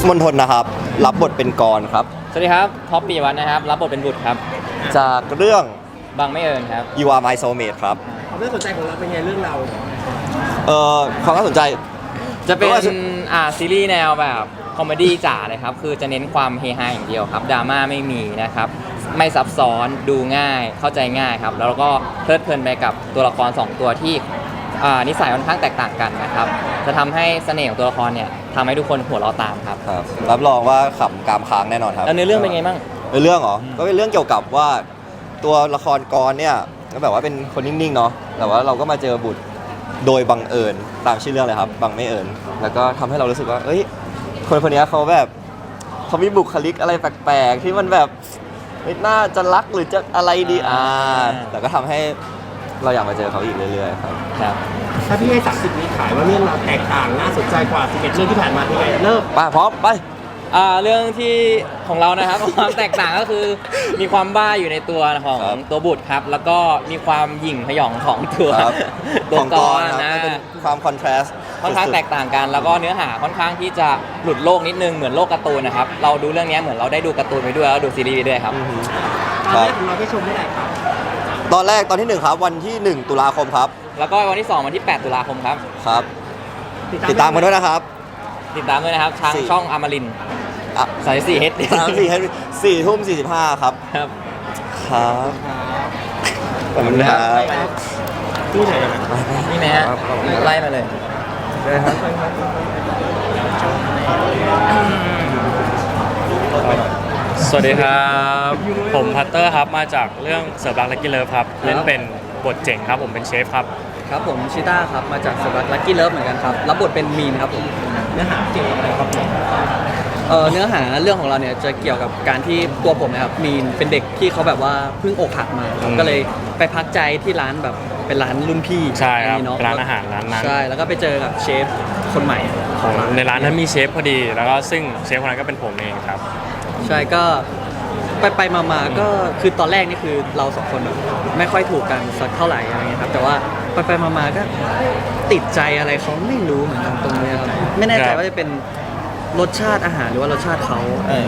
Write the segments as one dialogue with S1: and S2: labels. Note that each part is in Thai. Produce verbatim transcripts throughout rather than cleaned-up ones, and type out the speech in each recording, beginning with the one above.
S1: มณฑลนะครับรับบทเป็นกรครับ
S2: สวัสดีครับท็อปปีวัฒน์นะครับรับบทเป็นบุตรครับ
S1: จากเรื่อง
S2: บางไม่เอิญครับ
S1: You Are My Soulmate ครับ
S3: ความน่าสนใจของเราเป็นไงเรื่องเรา
S1: เอ่อความน่าสนใจ
S2: จะเป็นอ่าซีรีส์แนวแบบคอมเมดี้จ๋าเลยครับคือจะเน้นความเฮฮาอย่างเดียวครับดราม่าไม่มีนะครับไม่ซับซ้อนดูง่ายเข้าใจง่ายครับแล้วก็เพลิดเพลินไปกับตัวละครสองตัวที่นิสัยค่อนข้างแตกต่างกันนะครับจะทำให้เสน่ห์ของตัวละครเนี่ยทำให้ทุกคนหัวเราะตามครับ
S1: ครับรับรองว่าขำกามค้างแน่นอนครับ
S2: แล้วเนื้อเรื่องเป็นไงบ้าง
S1: เนื้อเรื่องเหรอก็เป็นเรื่องเกี่ยวกับว่าตัวละครกรเนี่ยก็แบบว่าเป็นคนนิ่งๆเนาะแต่ว่าเราก็มาเจอบุตรโดยบังเอิญตามชื่อเรื่องเลยครับบังไม่เอิญแล้วก็ทำให้เรารู้สึกว่าเอ้ยคนคนนี้เขาแบบเขามีบุคลิกอะไรแปลกๆที่มันแบบน่าจะรักหรือจะอะไรดีอ่าแต่ก็ทำให้เราอยากมาเจอเขาอีกเรื่อยๆครับ
S2: ครับ
S3: ถ้าพี่ให้สามสิบนี้ขายว่าเรื่องเราแตกต่างน่าสนใจกว่าสิบเอ็ดเรื่องที่ผ่านมาเป็นไงเริ่ม
S1: ไปพร้อมไป
S2: อ่าเรื่องที่ของเรานะครับ ความแตกต่างก็คือมีความบ้าอยู่ในตัวของตัวบุตรครับแล้วก็มีความหยิ่งพยองของตัวตัวกรนะ
S1: เป็นความคอนทราสต์
S2: ค่อนข้างแตกต่างกันแล้วก็เนื้อหาค่อนข้างที่จะหลุดโลกนิดนึงเหมือนโลกการ์ตูนนะครับเราดูเรื่องนี้เหมือนเราได้ดูการ์ตูนไปด้วยแล้วดูซีรีส์ไปด้วยครับ
S3: ตอนแรกของเราได้ชมเมื่อไหร่ครับ
S1: ตอนแรกตอนที่หนึ่งครับวันที่หนึ่งตุลาคมครับ
S2: แล้วก็วันที่สองวันที่แปดตุลาคมครับ
S1: ครับติดตามกันด้วยนะครับ
S2: ติดตามด้วยนะครับทางช่องอมรินทร์สายสี่เฮด
S1: สามสี่เฮดสี่ทุ่มสี่สิบห้าครับ
S2: ครับ
S1: ครับขอบคุณครับ
S3: ที่ไหน
S2: นี่ไหมฮะไล่มาเลย
S1: ได้ครับ
S4: สวัสดีครับผมพัตเตอร์ครับมาจากเรื่องเสิร์ฟรักลักกี้เลิฟครับเล่นเป็นบทเจ๋งครับผมเป็นเชฟครับ
S5: ครับผมชิต้าครับมาจากเสิร์ฟรักลักกี้เลิฟเหมือนกันครับรับบทเป็นมีนครับผม
S3: เนื้อหาเกี่ยวกับอะไรครับ
S5: เอ่อเนื้อหาเรื่องของเราเนี่ยจะเกี่ยวกับการที่ตัวผมนะครับมีนเป็นเด็กที่เขาแบบว่าเพิ่งอกหักมาก็เลยไปพักใจที่ร้านแบบเป็นร้านรุ่นพี่
S4: ใช่ครับร้านอาหารร้านนั้น
S5: ใช่แล้วก็ไปเจอกับเชฟคนใหม่
S4: ของในร้านนั้นมีเชฟพอดีแล้วก็ซึ่งเชฟคนนั้นก็เป็นผมเองครับ
S5: ใช่ก็ไปไปมาๆก็คือตอนแรกนี่คือเราสองคนแบบไม่ค่อยถูกกันสักเท่าไหร่อะไรเงี้ยครับแต่ว่าไปไปมาๆก็ติดใจอะไรเขาไม่รู้เหมือนกันตรงนี้ครับไม่แน่ใจว่าจะเป็นรสชาติอาหารหรือว่ารสชาติเขา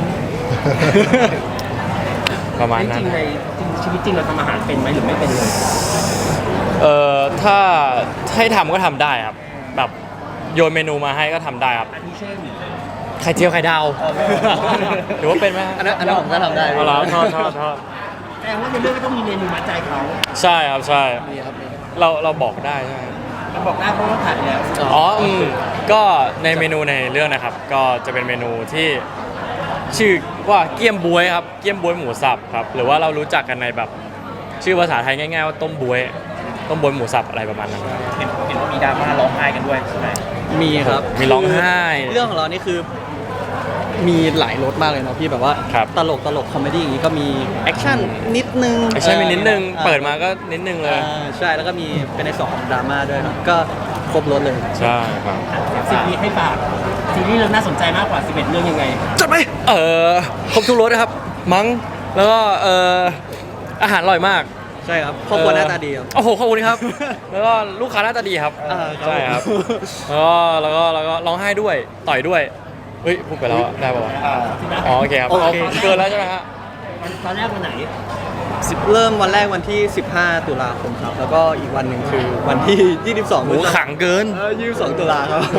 S4: ประมาณนั้น
S3: จริงในชีวิตจริงเราทำอาหารเป็นไหมหรือไม่เป็นเลย
S4: เอ่อถ้าให้ทำก็ทำได้ครับแบบโยนเมนูมาให้ก็ทำได้ครับ
S3: อันนี้เช่น
S4: ไข่เจียวไข่ดาวหรือว่าเป็นไหม
S5: อันนั้นอันนั้นผมก็ทำได้
S4: เอาละชอบชอบชอบ
S3: แต่ว่าในเรื่องก็ต้องมีเมนูมัดใจเขา
S4: ใช่ครับใช่เราเราบอกได้ใช่ไหม
S3: เราบอกได้เพราะว่าถ่ายแล้ว
S4: อ๋ออืมก็ในเมนูในเรื่องนะครับก็จะเป็นเมนูที่ชื่อว่าเกี๊ยมบ๊วยครับเกี๊ยมบ๊วยหมูสับครับหรือว่าเรารู้จักกันในแบบชื่อภาษาไทยง่ายๆว่าต้มบ๊วยต้มบ๊วยหมูสับอะไรประมาณนั้น
S3: เห็นเห็นว่ามีดราม่าร้องไห้กันด้วยใช่ไหม
S5: มีครับ
S4: มีร้องไห้
S5: เรื่องของเรานี่คือมีหลายรสมากเลยเนาะพี่แบบว่าตลกตลกคอมเมดี้อย่างนี้ก็มีแอคชั่นนิดนึง
S4: แอคชั่นมีนิดนึงเปิดมาก็นิดนึงเลย
S5: ใช่แล้วก็มีเป็นในสองดราม่าด้วยครับก็ครบรสเลย
S4: ใช่ครับ
S3: ซีรีส์ให้ฝากซีรีส์เราน่าสนใจมากกว่าสิบเอ็ดเรื่องยังไง
S4: จัดไหมเออครบทุกรสนะครับมั้งแล้วก็เอออาหารอร่อยมาก
S5: ใช่ครับครอบครัวหน้าตาดีครับ
S4: โอ้โหขอบคุณครับแล้วก็ลูกค้าหน้าตาดีครับใช่ครับแล้วก็แล้วก็แล้วก็ร้องไห้ด้วยต่อยด้วยเฮ้ยพูดไปแล้วได้ป่าวอ๋อโอเคครับเกินแล้วใช่ไหมฮะ
S3: ตอนแรกวันไหน
S5: เริ่มวันแรกวันที่สิบห้าตุลาคมครับแล้วก็อีกวันหนึ่งคือวันที่ยี่สิบสอง
S4: โอ้ขังเกิน
S5: เออยี่สิบสองตุลาครับ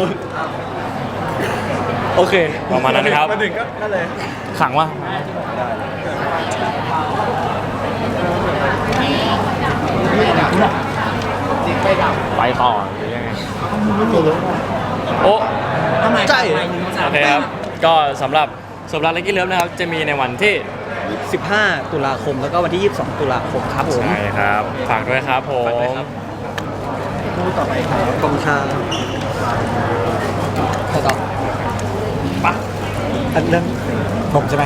S5: โอเค
S4: ประมาณนั้นนะครับ
S5: มาถึงก็นั่นเลย
S4: ขังวะไปต่อหรือยังไงโอ้
S5: ใช่
S4: โอเคครับก็สำหรับสำหรับลักกี้เลิฟนะครับจะมีในวันที่
S5: สิบห้าตุลาคมแล้วก็วันที่ยี่สิบสองตุลาคมครับผม
S4: ใช่ครับฝากด้วยครับผม
S3: คู่ต่อไปครับ
S5: กองชาใครต่อ
S4: ปะ
S5: อันเรื่องผมใช่ไหม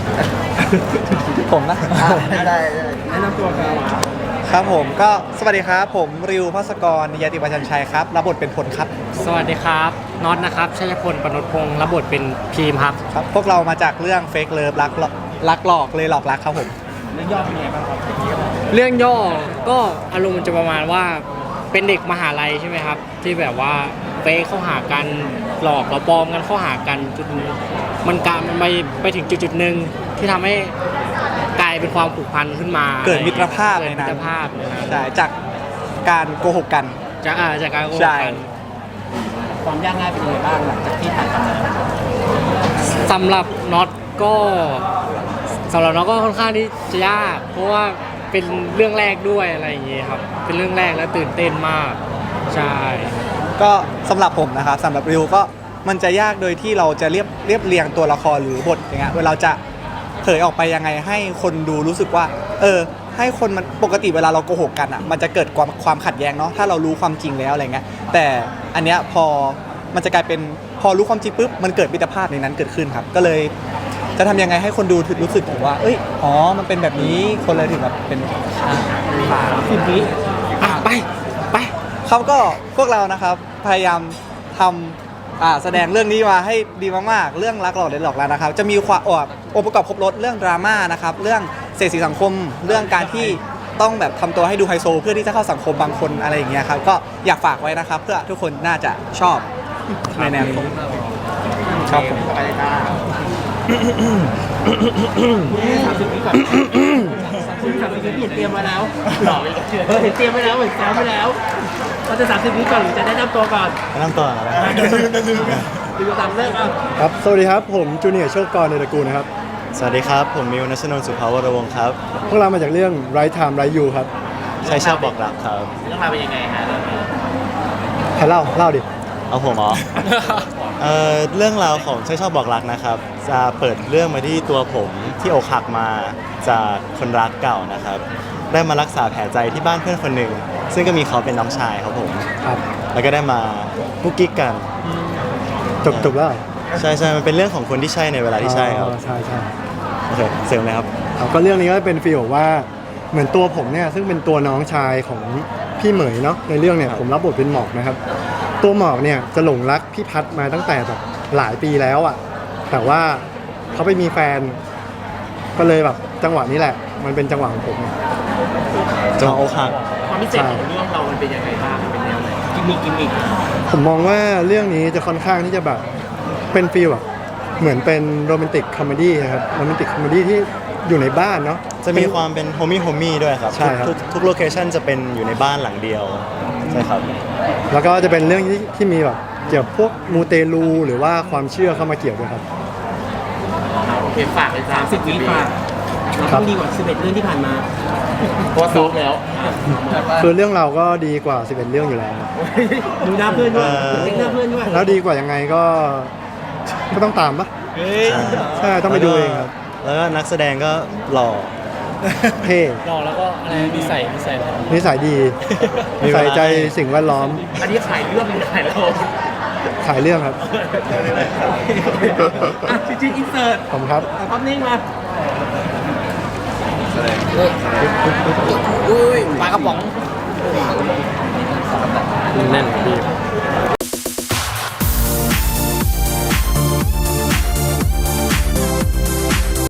S5: ผมนะ
S3: ได้แนะนำตัวครับ
S5: ครับผมก็สวัสดีครับผมริวภัสกรนิยติวัชชัยครับรับบทเป็นพลครับ
S6: สวัสดีครับน็อตนะครับชัยพลปนพงศ์รับบทเป็นพีมครับ
S5: ครับพวกเรามาจากเรื่องเฟกเลิฟรักรักหลอกเลยหลอกรักครับผม
S3: เรื่องย่อเป็นไงบ้างครับ
S6: เรื่องย่อก็อารมณ์มันจะประมาณว่าเป็นเด็กมหาลัยใช่ไหมครับที่แบบว่าแฟฟกเข้าหากันหลอกเราปลอมกันเข้าหากันจนมันการมันไปไปถึงจุดจุดๆหนึ่งที่ทำให้กลายเป็นความผูกพันขึ้นมา
S7: เกิดมิตรภาพ
S6: เกิ
S7: ใน
S6: ดมิ
S7: นั้น
S6: ตรภาพในนั้น
S7: ใช่จากการโกหกกัน
S6: จากอ่าจากการโกห
S7: ใช่
S6: กกัน
S3: ความยากง่ายเป็นยังไงบ้างหลังจากที่ถ่ายทำมา
S6: สำหรับน็อตก็สำหรับน็อตก็ค่อนข้างที่จะยาก เพราะว่าเป็นเรื่องแรกด้วยอะไรอย่างเงี้ยครับเป็นเรื่องแรกและตื่นเต้นมากใช่
S7: ก็สำหรับผมนะครับสำหรับริวก็มันจะยากโดยที่เราจะเรียบเรียบเรียงตัวละครหรือบทอย่างเงี้ยเวลาจะเผยออกไปยังไงให้คนดูรู้สึกว่า เออ ให้คนมันปกติเวลาเราโกหกกันอ่ะมันจะเกิดความความขัดแย้งเนาะถ้าเรารู้ความจริงแล้วอะไรเงี้ยแต่อันเนี้ยพอมันจะกลายเป็นพอรู้ความจริงปุ๊บมันเกิดมิตรภาพในนั้นเกิดขึ้นครับ ก็เลยจะทำยังไงให้คนดูถึงรู้สึกถึงว่า เอ้ยอ๋อมันเป็นแบบนี้คนเลยถึงแบบเป็นอ่า
S3: สิบวิ
S6: อ่ะไปไป
S7: เขาก็พวกเรานะครับพยายามทำอ่าแสดงเรื่องนี้มาให้ดีมากๆ เรื่องรักหลอกเด็ดหลอกแล้วนะครับ จะมีความอองค์ประกอบครบรถเรื่องดราม่านะครับ เรื่องเศรษฐีสังคม เรื่องการที่ต้องแบบทำตัวให้ดูไฮโซ เพื่อที่จะเข้าสังคมบางคนอะไรอย่างเงี้ยครับ ก็อยากฝากไว้นะครับ เพื่อทุกคนน่าจะชอบในแนวนี้ครับผม
S3: ไปเลยจ้าสามสิบวิก่อนคุณสามสิบวิเปลี่ยนเตรียมมาแล้วเออเห็นเตรียมไว้แล้วเหมือนซ้อมไว้แล้วเราจะสามสิบวิก่อนหรือจะแนะนำตัวก่อน
S8: แนะนำตัวอะไร
S3: เดี๋ยวลืมเดี๋ยวลืมดูตามเรื่องอ่ะ
S8: ครับ สวัสดีครับ ผมจูเนียร์โชคกรในตระกูลนะครับ สวัสดีครับ ผมมิวนัชนนท์สุภาวรวงศ์ครับ พวกเรามาจากเรื่อง Right Time Right You ครับ ใช่ชอบบอกรักครับ
S3: เรื่องราวเป็นยังไงฮะ
S8: ใครเล่า เล่าดิ
S9: เอาผมเหรอ เอ่อเรื่องราวของใช่ชอบบอกรักนะครับ จะเปิดเรื่องมาที่ตัวผมที่อกหักมาจากคนรักเก่านะครับ ได้มารักษาแผลใจที่บ้านเพื่อนคนหนึ่ง ซึ่งก็มีเขาเป็นน้องชายครับผม
S8: ครับ
S9: แล้วก็ได้มากุ๊กกิ๊กกัน
S8: จบจบแล้วเหรอ
S9: ใช่ใช่มันเป็นเรื่องของคนที่ใช่ในเวลาที่ใช่ครับ
S8: อ๋อใช่ใช่
S9: โอเคเสริมเลยครับ
S8: ครับก็เรื่องนี้ก็เป็นฟีลแบบว่าเหมือนตัวผมเนี่ยซึ่งเป็นตัวน้องชายของพี่เหมยเนาะในเรื่องเนี่ยผมรับบทเป็นหมอกนะครับ ตัวหมอกเนี่ยจะหลงรักพี่พัดมาตั้งแต่แบบหลายปีแล้วอ่ะแต่ว่าเขาไปมีแฟน ก็เลยแบบจังหวะนี้แหละ มันเป็นจังหวะของผมเนี่ย
S9: จังหวะอกหัก
S3: ความพิเศษของเรื่องเรามันเป็นยังไงบ้างมันเป็นแนวไหนกิมมิคกิมมิค
S8: ผมมองว่าเรื่องนี้จะค่อนข้างที่จะแบบเป็นฟีลแบบเหมือนเป็นโรแมนติกคอมเมดี้ครับโรแมนติกคอมเมดี้ที่อยู่ในบ้านเนาะ
S9: จะมีความเป็นโฮมี่โฮมี่ด้วยครับ
S8: ใช่ครับ
S9: ทุกทุกทุกโลเคชั่นจะเป็นอยู่ในบ้านหลังเดียว ใช่ครับ
S8: แล้วก็จะเป็นเรื่องที่ที่มีแบบเกี่ยวกับพวกมูเตลูหรือว่าความเชื่อเข้ามาเกี่ยวด้วยครับ
S3: โอเคฝากเลยสามสิบวิฝากเรา
S8: ครั
S3: ต้อบ งดีกว่าสิบเอ็ดเรื่องที่ผ่านมาเพราะว่าซ้อมแล้ว
S8: คือเรื่องเราก็ดีกว่าสิบเอ็ดเรื่องอยู่แล้ว
S3: ดูหน้าเพื่อนด้วย
S9: เออ
S3: เล็กหน้าเพื่อนด้วย
S8: แล้วดีกว่ายังไงก็ก็ต้องตามปะ
S3: เฮ้ย
S8: ใช่ต้องไปดูเองครับ
S9: แล้วก็นักแสดงก็หล่อ
S8: เท่
S6: รอแล้วก็อะไรนิสัยนิสัย
S8: นิสัยดี
S9: มีเวลา
S8: ใส่ใจสิ่งแวดล้อม
S3: อันนี้ขายเรื่องหรือขายเรา
S8: ขายเรื่องครับ
S3: อ่ะจริงๆอินเสิร์ต
S8: ผมครับ
S3: แต่ภาพนิ่งมา
S6: อุ้ยปลากระป๋อง
S4: แน่นพี่